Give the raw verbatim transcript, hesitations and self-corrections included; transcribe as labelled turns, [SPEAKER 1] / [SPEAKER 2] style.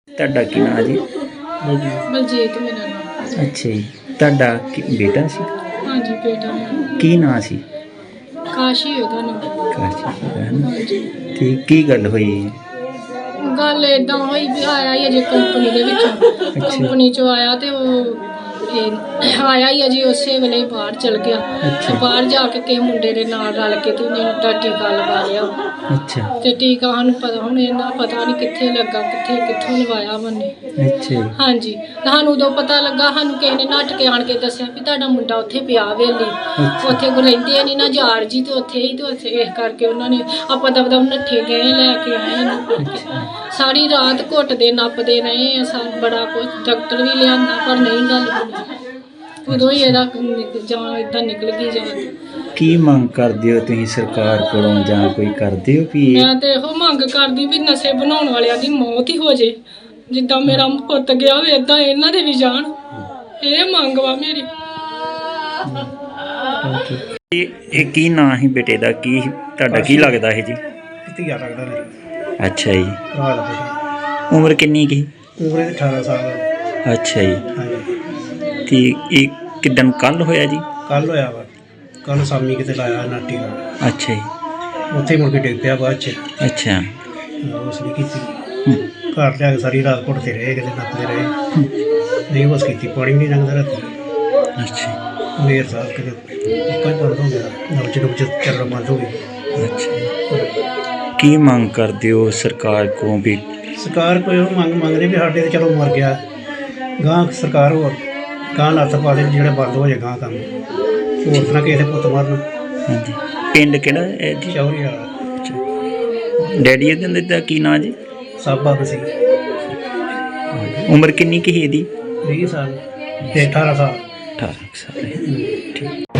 [SPEAKER 1] ਤੁਹਾਡਾ ਕੀ ਨਾਂ ਜੀ?
[SPEAKER 2] ਬਲਜੀਤ ਮੇਰਾ ਨਾਮ।
[SPEAKER 1] ਅੱਛਾ ਜੀ, ਤੁਹਾਡਾ ਕੀ ਬੇਟਾ ਸੀ?
[SPEAKER 2] ਹਾਂਜੀ ਬੇਟਾ ਮੇਰਾ।
[SPEAKER 1] ਕੀ ਨਾਂ ਸੀ?
[SPEAKER 2] ਕਾਸ਼ੀ ਉਹਦਾ ਨਾਮ।
[SPEAKER 1] ਕਾਸ਼ੀ ਹੈ ਨਾ।
[SPEAKER 2] ਹਾਂਜੀ।
[SPEAKER 1] ਤੇ ਕੀ ਗੱਲ ਹੋਈ?
[SPEAKER 2] ਗੱਲ ਏਦਾਂ ਹੋਈ ਵੀ ਆਇਆ ਹੀ ਅਜੇ ਕੰਪਨੀ ਦੇ ਵਿੱਚੋਂ, ਕੰਪਨੀ ਚੋਂ ਆਇਆ ਤੇ ਉਹ ਇਹ ਆਇਆ ਹੀ ਅਜੇ ਉਸੇ ਵੇਲੇ ਬਾਹਰ ਚਲ ਗਿਆ ਤੇ ਬਾਹਰ ਜਾ ਕੇ ਕਿਸੇ ਮੁੰਡੇ ਦੇ ਨਾਲ ਰਲ ਕੇ ਤੇ ਉਹਨੇ ਦਾ ਟੀਕਾ ਲਗਾ ਲਿਆ।
[SPEAKER 1] ਅੱਛਾ।
[SPEAKER 2] ਤੇ ਟੀਕਾ ਸਾਨੂੰ ਪਤਾ ਹੁਣ ਇਹਨਾਂ ਪਤਾ ਨਹੀਂ ਕਿੱਥੇ ਲੱਗਾ, ਕਿੱਥੇ ਕਿੱਥੋਂ ਲਵਾਇਆ ਮੰਨੇ।
[SPEAKER 1] ਅੱਛਾ।
[SPEAKER 2] ਹਾਂਜੀ, ਸਾਨੂੰ ਉਦੋਂ ਪਤਾ ਲੱਗਾ, ਸਾਨੂੰ ਕਿਸੇ ਨੇ ਨੱਠ ਕੇ ਆਣ ਕੇ ਦੱਸਿਆ ਵੀ ਤੁਹਾਡਾ ਮੁੰਡਾ ਉੱਥੇ ਪਿਆ ਵੇਲੀ, ਉੱਥੇ ਕੋ ਰਹਿੰਦੇ ਨਹੀਂ ਨਾ ਯਾਰ ਜੀ, ਤੇ ਉੱਥੇ ਹੀ ਤੇ ਉੱਥੇ ਇਸ ਕਰਕੇ ਉਹਨਾਂ ਨੇ ਆਪਾਂ ਦਬਦਬ ਨੱਠੇ ਗਏ, ਲੈ ਕੇ ਆਏ ਇਹਨੂੰ। ਸਾਰੀ ਰਾਤ ਘੁੱਟਦੇ ਨੱਪਦੇ ਰਹੇ ਆ, ਸਭ ਬੜਾ ਕੁਝ ਡਾਕਟਰ ਵੀ ਲਿਆਂਦਾ ਪਰ ਨਹੀਂ ਗੱਲ ਬਣੀ। ਉਦੋਂ ਹੀ ਇਹਦਾ ਜਾਨ ਏਦਾਂ ਨਿਕਲ ਗਈ ਜਾਨ।
[SPEAKER 1] ਕੀ ਮੰਗ ਕਰਦੇ ਹੋ ਤੁਸੀਂ ਸਰਕਾਰ ਕੋਲੋਂ ਜਾਂ ਕੋਈ ਕਰਦੇ ਹੋ ਵੀ?
[SPEAKER 2] ਮੈਂ ਤੇ ਇਹੋ ਮੰਗ ਕਰਦੀ ਵੀ ਨਸ਼ੇ ਬਣਾਉਣ ਵਾਲਿਆਂ ਦੀ ਮੌਤ ਹੀ ਹੋ ਜੇ, ਜਿੱਦਾਂ ਮੇਰਾ ਪੁੱਤ ਗਿਆ ਹੋਵੇ ਏਦਾਂ ਇਹਨਾਂ ਦੇ ਵੀ ਜਾਣ। ਇਹ ਮੰਗ ਵਾ ਮੇਰੀ।
[SPEAKER 1] ਇਹ ਇਹ ਕੀ ਨਾਂ ਸੀ ਬੇਟੇ ਦਾ? ਕੀ ਤੁਹਾਡਾ ਕੀ ਲੱਗਦਾ ਹੈ ਜੀ?
[SPEAKER 3] ਧੀਆ ਲੱਗਦਾ ਮੇਰੀ।
[SPEAKER 1] ਅੱਛਾ ਜੀ।
[SPEAKER 3] ਭਰਾ ਦਾ ਬੇਟਾ।
[SPEAKER 1] ਉਮਰ ਕਿੰਨੀ ਕੀ?
[SPEAKER 3] ਉਮਰ ਇਹਦੀ ਅਠਾਰਾਂ ਸਾਲ।
[SPEAKER 1] ਅੱਛਾ ਜੀ।
[SPEAKER 3] ਹਾਂਜੀ।
[SPEAKER 1] ਤੇ ਇਹ ਕਿਦਨ ਕੱਲ ਹੋਇਆ ਜੀ?
[SPEAKER 3] ਕੱਲ ਹੋਇਆ ਵਾ, ਕੱਲ ਸ਼ਾਮੀ ਕਿਤੇ ਲਾਇਆ ਨਾਟੀ ਦਾ।
[SPEAKER 1] ਅੱਛਾ ਜੀ।
[SPEAKER 3] ਉੱਥੇ ਮੁੜ ਕੇ ਡਿੱਗ ਪਿਆ ਬਾਅਦ 'ਚ।
[SPEAKER 1] ਅੱਛਾ।
[SPEAKER 3] ਉਸ ਨਹੀਂ ਕੀਤੀ। ਘਰ ਲਿਆ ਕੇ ਸਾਰੀ ਰਾਤ ਘੁੱਟਦੇ ਰਹੇ, ਕਿਤੇ ਨੱਪਦੇ ਰਹੇ, ਨਹੀਂ ਬਸ ਕੀਤੀ, ਪਾਣੀ ਵੀ ਨਹੀਂ ਲੰਘਦਾ ਰਾਤੀ।
[SPEAKER 1] ਅੱਛਾ।
[SPEAKER 3] ਮੇਰ ਸਾਹਿਬ ਕਿਤੇ ਪੱਕਾ ਹੀ ਬੰਦ ਹੋ ਗਿਆ, ਨਬਜ ਨੁਬਜ ਚੱਲਣਾ ਬੰਦ ਹੋ ਗਈ।
[SPEAKER 1] ਅੱਛਾ। ਕੀ ਮੰਗ ਕਰਦੇ ਹੋ ਸਰਕਾਰ ਕੋਲੋਂ ਵੀ?
[SPEAKER 3] ਸਰਕਾਰ ਕੋਈ ਉਹ ਮੰਗ ਮੰਗਦੇ ਵੀ ਸਾਡੇ ਤੇ ਚਲੋ ਮਰ ਗਿਆ, ਗਾਂ ਸਰਕਾਰ ਹੋਰ ਗਾਂ ਲੱਤ ਪਾ ਦੇ ਜਿਹੜੇ ਬੰਦ ਹੋ ਜਾਏ ਗਾਂ ਕੰਮ, ਹੋਰ ਤਰ੍ਹਾਂ ਕਿਸੇ ਦੇ ਪੁੱਤ ਮਾਰਨ।
[SPEAKER 1] ਹਾਂਜੀ। ਪਿੰਡ ਕਿਹੜਾ ਹੈ ਜੀ?
[SPEAKER 3] ਚੌਰੀ ਵਾਲਾ।
[SPEAKER 1] ਅੱਛਾ। ਡੈਡੀ ਇਹਦੇ ਦਾ ਕੀ ਨਾਂ ਜੀ?
[SPEAKER 3] ਸਾਬਾ ਸੀ।
[SPEAKER 1] ਉਮਰ ਕਿੰਨੀ ਕੀ ਇਹਦੀ?
[SPEAKER 3] ਵੀਹ ਸਾਲ ਤੇ ਅਠਾਰਾਂ ਸਾਲ।
[SPEAKER 1] ਅਠਾਰਾਂ ਸਾਲ। ਠੀਕ।